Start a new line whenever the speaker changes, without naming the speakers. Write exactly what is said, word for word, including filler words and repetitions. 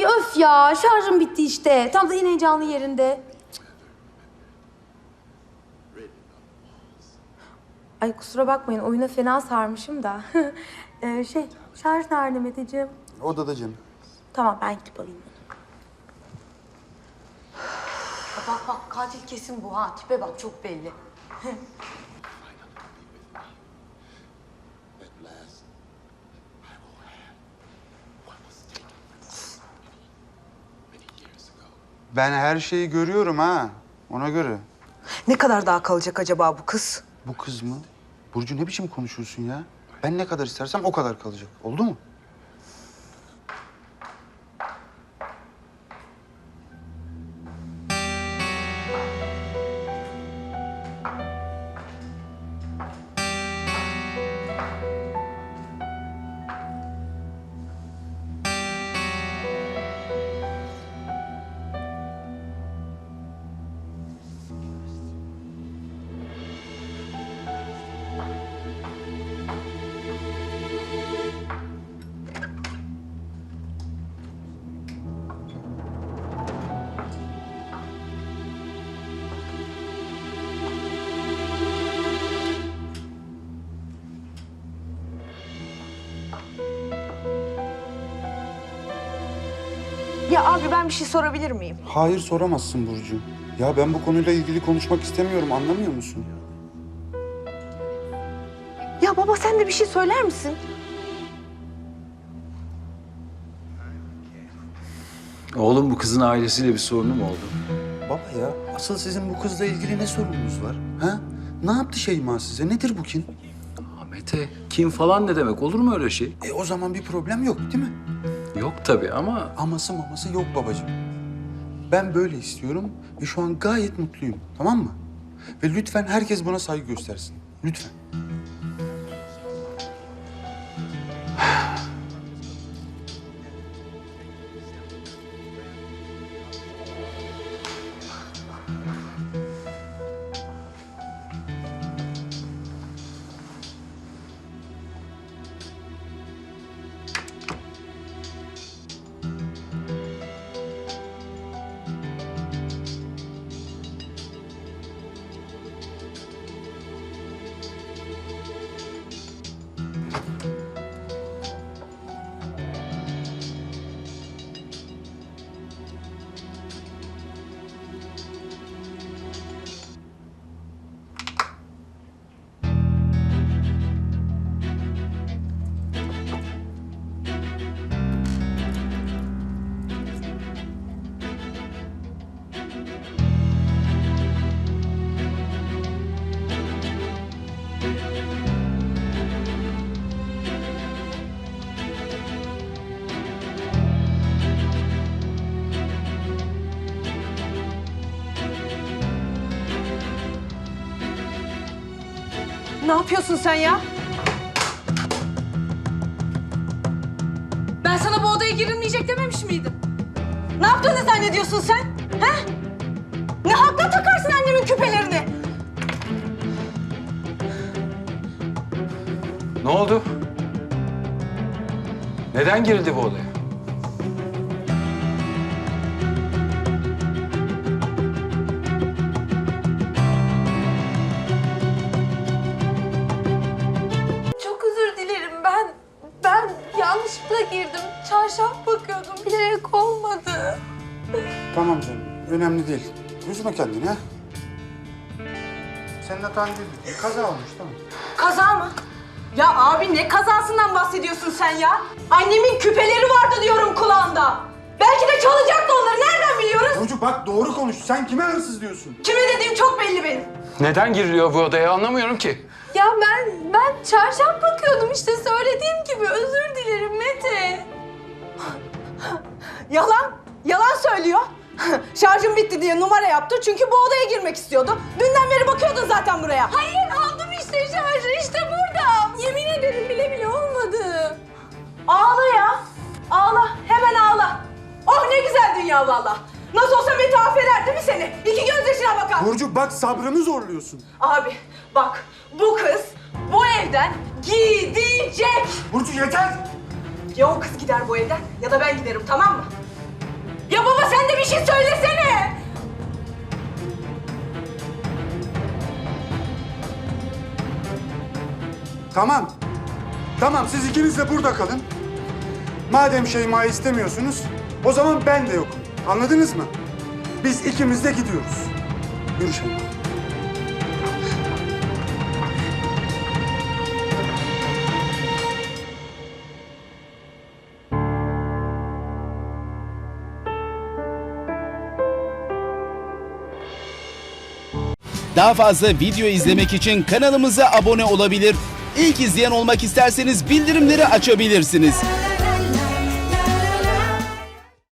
öf ya, şarjım bitti işte. Tam da yine heyecanlı yerinde. Ay kusura bakmayın, oyuna fena sarmışım da. ee, şey, şarj nerede Meteciğim?
Odada canım.
Tamam, ben gidip alayım.
Bak bak, katil kesin bu ha. Tipe bak, çok belli.
Ben her şeyi görüyorum ha. Ona göre.
Ne kadar daha kalacak acaba bu kız?
Bu kız mı? Burcu ne biçim konuşuyorsun ya? Ben ne kadar istersem o kadar kalacak. Oldu mu?
Ya abi ben bir şey sorabilir miyim?
Hayır soramazsın Burcu. Ya ben bu konuyla ilgili konuşmak istemiyorum. Anlamıyor musun?
Ya baba sen de bir şey söyler misin?
Oğlum bu kızın ailesiyle bir sorunu mu oldu?
Baba ya, asıl sizin bu kızla ilgili ne sorununuz var? Ha? Ne yaptı Şeyma size? Nedir bu kin?
Aa, Mete, kim falan ne demek? Olur mu öyle şey?
E o zaman bir problem yok değil mi?
Yok tabii ama
Aması maması yok babacığım. Ben böyle istiyorum ve şu an gayet mutluyum, tamam mı? Ve lütfen herkes buna saygı göstersin. Lütfen.
Ne yapıyorsun sen ya? Ben sana bu odaya girilmeyecek dememiş miydim? Ne yaptığını zannediyorsun sen? He? Ne hakla takarsın annemin küpelerini?
ne oldu? Neden girildi bu odaya?
Çok özür dilerim ben. Ben yanlışlıkla girdim. Çarşaf bakıyordum. Bilerek olmadı.
Tamam canım, önemli değil. Üzme kendini ha. Senin hatan değil. Bir kaza olmuş, tamam.
Kaza mı? Ya abi ne kazasından bahsediyorsun sen ya? Annemin küpeleri vardı diyorum kulağında. Belki de çalacaktı onları. Nereden biliyoruz?
Burcu bak doğru konuş. Sen kime hırsız diyorsun?
Kime dediğim çok belli benim.
Neden giriliyor bu odaya anlamıyorum ki.
Ya ben ben çarşaf bakıyordum işte söylediğim gibi. Özür dilerim Mete.
Yalan. Yalan söylüyor. Şarjım bitti diye numara yaptı çünkü bu odaya girmek istiyordu. Dünden beri bakıyordun zaten buraya.
Hayır aldım işte şarjı işte burada. Yemin ederim bile bile olmadı.
Ağla ya. Ağla. Hemen ağla. Oh ne güzel dünya valla. Nasıl olsa Mete affeder değil mi seni? İki gözyaşına bakar.
Burcu bak sabrımı zorluyorsun.
Abi bak bu kız bu evden gidecek.
Burcu yeter.
Ya o kız gider bu evden ya da ben giderim tamam mı? Ya baba sen de bir şey söylesene.
Tamam. Tamam siz ikiniz de burada kalın. Madem Şeyma'yı istemiyorsunuz, o zaman ben de yokum. Anladınız mı? Biz ikimiz de gidiyoruz. Yürü Şeyma.
Daha fazla video izlemek için kanalımıza abone olabilir. İlk izleyen olmak isterseniz bildirimleri açabilirsiniz.